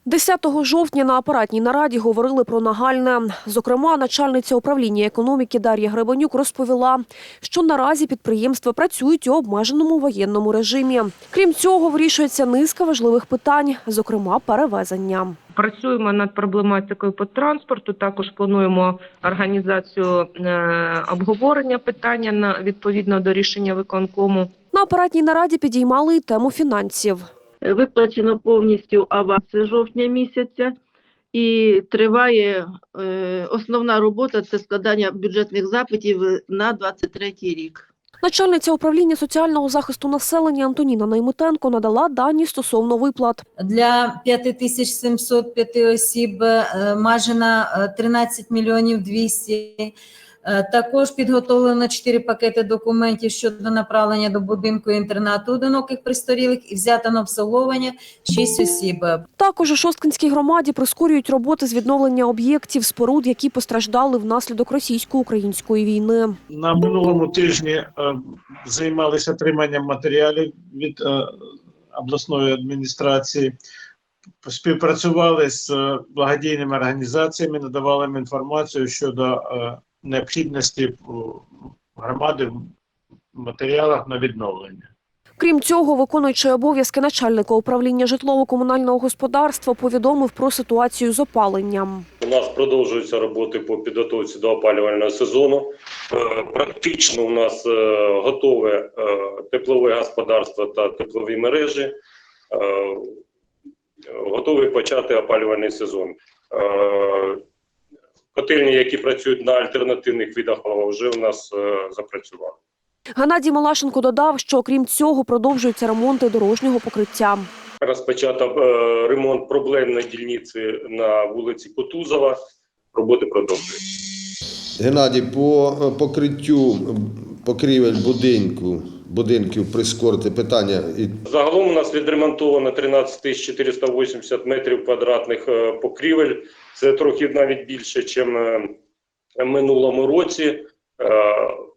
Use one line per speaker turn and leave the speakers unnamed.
10 жовтня на апаратній нараді говорили про нагальне. Зокрема, начальниця управління економіки Дар'я Гребенюк розповіла, що наразі підприємства працюють у обмеженому воєнному режимі. Крім цього, вирішується низка важливих питань, зокрема перевезення.
Працюємо над проблематикою по транспорту, також плануємо організацію обговорення питання відповідно до рішення виконкому.
На апаратній нараді підіймали й тему фінансів.
Виплачено повністю аванси жовтня місяця і триває основна робота – це складання бюджетних запитів на 2023 рік.
Начальниця управління соціального захисту населення Антоніна Наймитенко надала дані стосовно виплат.
Для 5705 осіб майже на 13 мільйонів 200. Також підготовлено 4 пакети документів щодо направлення до будинку-інтернату одиноких престарілих і взято на обслуговування 6 осіб.
Також у Шосткинській громаді прискорюють роботи з відновлення об'єктів, споруд, які постраждали внаслідок російсько-української війни.
На минулому тижні займалися отриманням матеріалів від обласної адміністрації, співпрацювали з благодійними організаціями, надавали їм інформацію щодо необхідності громади в матеріалах на відновлення.
Крім цього, виконуючий обов'язки начальника управління житлово-комунального господарства повідомив про ситуацію з опаленням.
У нас продовжуються роботи по підготовці до опалювального сезону. Практично у нас готове теплове господарство та теплові мережі. Готові почати опалювальний сезон. Котельні, які працюють на альтернативних видах палива, вже у нас запрацювали.
Геннадій Малашенко додав, що окрім цього продовжуються ремонти дорожнього покриття.
Розпочато ремонт проблемної дільниці на вулиці Кутузова. Роботи продовжуються.
Геннадій, по покриттю покрівель будинків прискорити питання.
Загалом у нас відремонтовано 13 480 метрів квадратних покрівель. Це трохи навіть більше, ніж в минулому році.